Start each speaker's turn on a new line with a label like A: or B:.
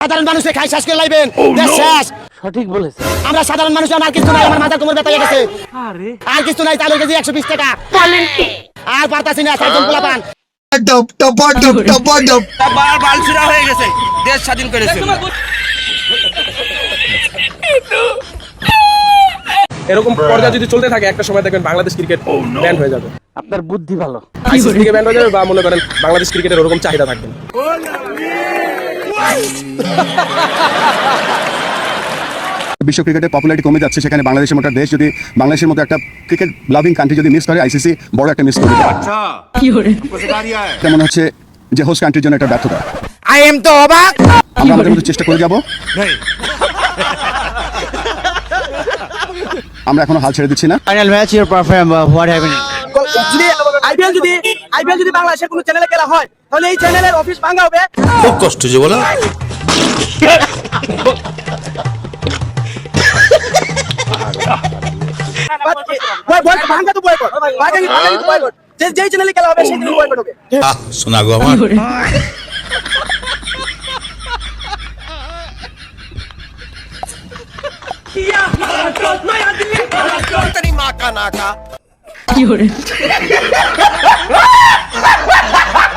A: সাধারণ মানুষে খাই শেষ করে লাইবেন দেশ শেষ।
B: সঠিক বলেছে।
A: আমরা সাধারণ মানুষ আমার কিছু নাই, আমার মাথা কোমর ব্যথা হয়ে গেছে। আর কিছু নাই, চালের কেজি 120 টাকা। আর পারতাছি না, সাইকেল পোলা পান।
C: বালছিরা হয়ে গেছে, দেশ স্বাধীন করেছে।
D: এরকম পর্যায়ে যদি চলতে থাকে একটা সময় দেখবেন বাংলাদেশ ক্রিকেট ব্যান্ড হয়ে যাবে।
B: আপনার বুদ্ধি ভালো।
D: আইসিসি থেকে ব্যান্ড হয়ে যাবে, বা মনে করেন বাংলাদেশ ক্রিকেটের ওরকম চাহিদা থাকবে না।
E: বিশ্ব ক্রিকেটের পপুলারিটি কমে যাচ্ছে, সেখানে বাংলাদেশের মতো দেশ যদি বাংলাদেশের মতো একটা ক্রিকেট লাভিং কান্ট্রি যদি মিস করে, আইসিসি বড় একটা মিস করবে। মনে হচ্ছে যে হোস্ট কান্ট্রির জন্য একটা ব্যর্থতা।
A: আই এম তো অবাক।
E: আমরা আমাদের মতো চেষ্টা করে যাব। আমরা এখনো হাল ছেড়ে দিচ্ছি না।
B: Final match your perform what happening?
F: যদি আইপিএল যদি বাংলাদেশের কোনো চ্যানেলে খেলা হয় তাহলে এই চ্যানেলের অফিস ভাঙা হবে।
C: খুব কষ্ট যে বলো।
F: ভাঙা তো বয়কট, বয়কট। যেই চ্যানেলে খেলা হবে সেই চ্যানেলে বয়কট হবে।
C: শোনা গো আমার। तेरी माँ का नाका।